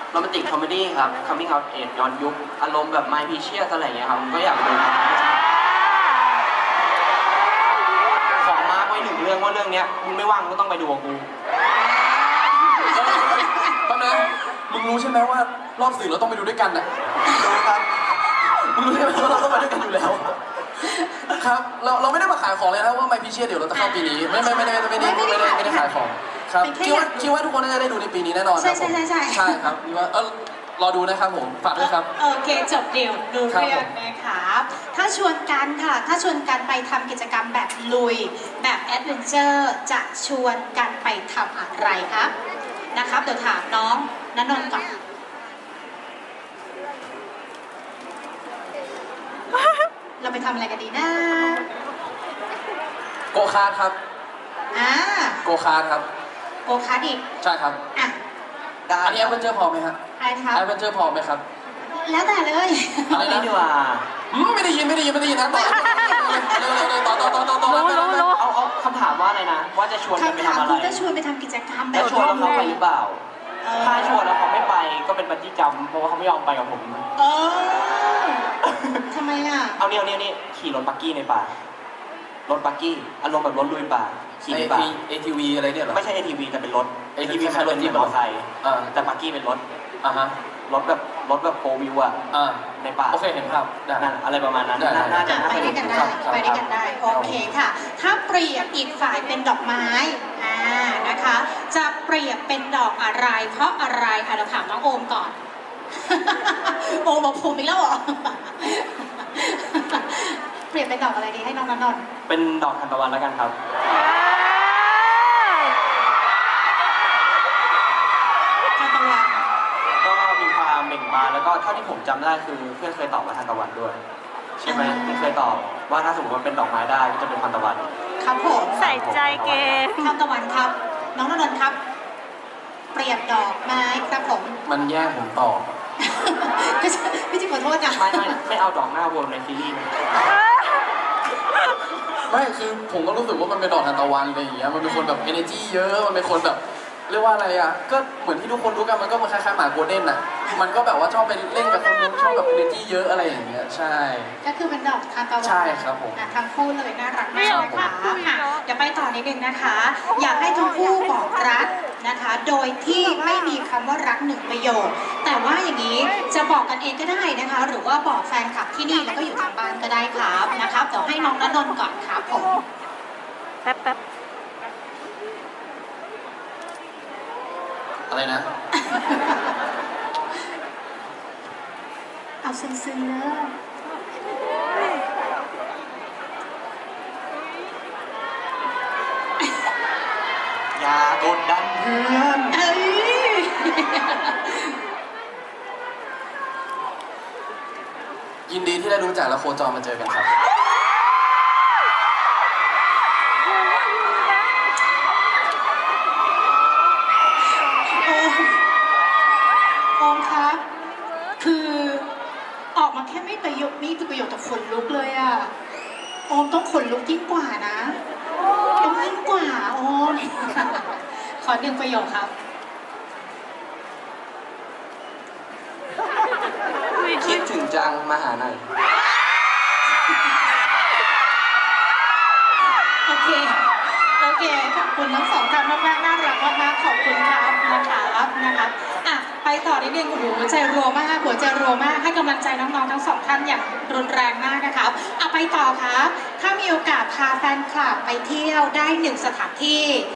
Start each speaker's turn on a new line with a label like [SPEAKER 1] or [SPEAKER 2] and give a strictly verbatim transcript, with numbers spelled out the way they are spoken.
[SPEAKER 1] โรแมนติกคอมเมดี้ครับ coming out age ย้อนยุคอารมณ์แบบ My Precious อะไรอย่างเงี้ยครับผมก็อยากไปดูขอมาร์กไว้หนึ่งเรื่องว่าเรื่องเนี้ยมึงไม่ว่างก็ต้องไปดูกับกู
[SPEAKER 2] ตอนนั้นมึงรู้ใช่ไหมว่ารอบสื่อเราต้องไปดูด้วยกันน่ะ
[SPEAKER 1] รู้ครับ
[SPEAKER 2] มึงรู้ใช่ไหมว่าเราต้องไปด้วยกันอยู่แล้วครับเราเราไม่ได้มาขายของเลยนะว่า My Precious เดี๋ยวเราจะเข้าปีนี้ไม่ไม่ไม่ได้ไม่ได้ไม่ได้ไม่ได้ขายของครับคิดว่าคิดว่าทุกคนน่าจะได้ดูในปีนี้แน่นอนครับผม
[SPEAKER 3] ใช่ใช่ใช่
[SPEAKER 2] ใช่ครับคิดว่าเออรอดูนะครับผมฝากด้วยครับ
[SPEAKER 3] โอเคจบเดี่ยวดูเรื่องนะคะถ้าชวนกันค่ะถ้าชวนกันไปทำกิจกรรมแบบลุยแบบแอดเวนเจอร์จะชวนกันไปทำอะไรครับนะครับเดี๋ยวถามน้องณนนท์ก่อนเราไปทำอะไรกันดีนะ
[SPEAKER 2] โกคาร์ทครับ
[SPEAKER 3] อ่า
[SPEAKER 2] โกคาร์ทครับ
[SPEAKER 3] โกคาร์ทอีก
[SPEAKER 2] ใช่ครับ
[SPEAKER 3] อ่ะ
[SPEAKER 2] อันนี้แอดเวนเจอร์พอไหมครับ
[SPEAKER 3] ใช่ครับ
[SPEAKER 2] แอดเวนเจอร์พอไหมครับ
[SPEAKER 3] แล้วแต่เลย
[SPEAKER 1] อะไรนะดีกว่า
[SPEAKER 2] ไม่ได้ยินไม่ได้ยินไม่ได้ยินนะต่อต่อต่อต่อต่อต่อ
[SPEAKER 1] เอาเอาคำถามว่าอะไรนะว่าจะชวนกันไปทำอะไร
[SPEAKER 3] จะชวนไปทำกิจกรรมแบ
[SPEAKER 1] บชวนแล้วเขาไปหรือเปล่าถ้าชวนแล้วเขาไม่ไปก็เป็นบัญชีจำเพราะว่าเขาไม่ยอมไปกับผม
[SPEAKER 3] เออทำไมอ่ะ
[SPEAKER 1] เอาเนี่ยเนี่ยนี่ขี่รถบักกี้ในป่ารถบักกี้อารมณ์แบบรถลุยป่าขี่ในป่า
[SPEAKER 2] เอ ที วี อะไรเนี่ยหรอ
[SPEAKER 1] ไม่ใช่ เอ ที วี แต่เป็นรถ
[SPEAKER 2] เอ ที วี
[SPEAKER 1] เป็นรถที่มอเตอร์ไซค์แต่บักกี้เป็นรถ
[SPEAKER 2] อ่าฮะ
[SPEAKER 1] รถแบบรถแบบโฟวิวอะในป่า
[SPEAKER 2] โอเคเห็นภาพ
[SPEAKER 1] นั่นอะไรประมาณนั้น
[SPEAKER 3] น่าจะไปด้วยกันได้ไปด้วยกันได้โอเคค่ะถ้าเปรียบอีกฝ่ายเป็นดอกไม้อ่านะคะจะเปรียบเป็นดอกอะไรเพราะอะไรอ่ะเราถามน้องโอมก่อนโอมบอกผมอีกแล้วเหรอเปรียบเป็นดอกอะไรดีให้น้องนนท์
[SPEAKER 1] เป็นดอกทานตะวันแล้วกันครับ
[SPEAKER 3] ทานตะวัน
[SPEAKER 1] ก็มีความเบ่งบานแล้วก็เท่าที่ผมจำได้คือเพื่อนเคยตอบว่าทานตะวันด้วยใช่ไหมที่เคยตอบว่าถ้าสมมติว่าเป็นดอกไม้ได้ก็จะเป็นทานตะวัน
[SPEAKER 3] ครับผม
[SPEAKER 4] ใส่ใจเกม
[SPEAKER 3] ทานตะวันครับน้องนนท์ครับเปรียบดอกไม้ครับผม
[SPEAKER 2] มันแย่งผมตอบ
[SPEAKER 3] พี่จิขอโทษนะ
[SPEAKER 1] ไม่ไม่ไม่เอาดอกหน้าวนในซีรีส์
[SPEAKER 2] ไม่คือผมก็รู้สึกว่ามันเป็นดอกทานตะวันอะไรอย่างเงี้ยมันเป็นคนแบบ energy เยอะมันเป็นคนแบบเรียกว่าอะไรอ่ะก็เหมือนที่ทุกคนรู้กันมันก็มันคล้ายๆหมาโกลเด้นอ่ะมันก็แบบว่าชอบไปเล่นกับคนนู้นชอบแบบ energy เยอะอะไรอย่างเงี้ยใช่
[SPEAKER 3] ก็คือเป็นดอกทานตะวัน
[SPEAKER 2] ใช่ครับผม
[SPEAKER 3] ทั้งคู่เลยน่ารักมากนะคะเดี๋ยวไปต่อนิดนึงนะคะอยากให้ทั้งคู่บอกรักนะคะโดยที่ไม่มีคำว่ารักหนึ่งประโยคแต่ว่าอย่างนี้จะบอกกันเองก็ได้นะคะหรือว่าบอกแฟนคลับที่นี่แล้วก็อยู่ทางบ้านก็ได้ครับนะครับเดี๋ยวให้น้องณนนท์ก่อนครับผม
[SPEAKER 4] แป๊บแป๊บ
[SPEAKER 2] อะไรนะ
[SPEAKER 3] เอาซึ้งๆเลย
[SPEAKER 1] อย่ากดดันเพื่อน
[SPEAKER 2] ยินดีที่ได้รู้จักและโคจรมาเจอกันครับ
[SPEAKER 3] โอมครับคือออกมาแค่ไม่ประโยคนี่คือประโยคแต่ขนลุกเลยอ่ะโอมต้องขนลุกยิ่งกว่านะต้องยิ่งกว่าโอมขอหนึ่งประโยคครับ
[SPEAKER 1] คิดถึงจังมาหาหน่อย
[SPEAKER 3] โอเคโอเคขอบคุณทั้งสองท่านมากๆน่ารักมากๆขอบคุณครับนะครับนะครับอ่ะไปต่อนิดนึงโอ้โหหัวใจรัวมากหัวใจรัวมากให้กำลังใจน้องๆทั้งสองท่านอย่างรุนแรงมากนะครับอ่ะไปต่อครับถ้ามีโอกาสพาแฟนคลับไปเที่ยวได้หนึ่งสถานที่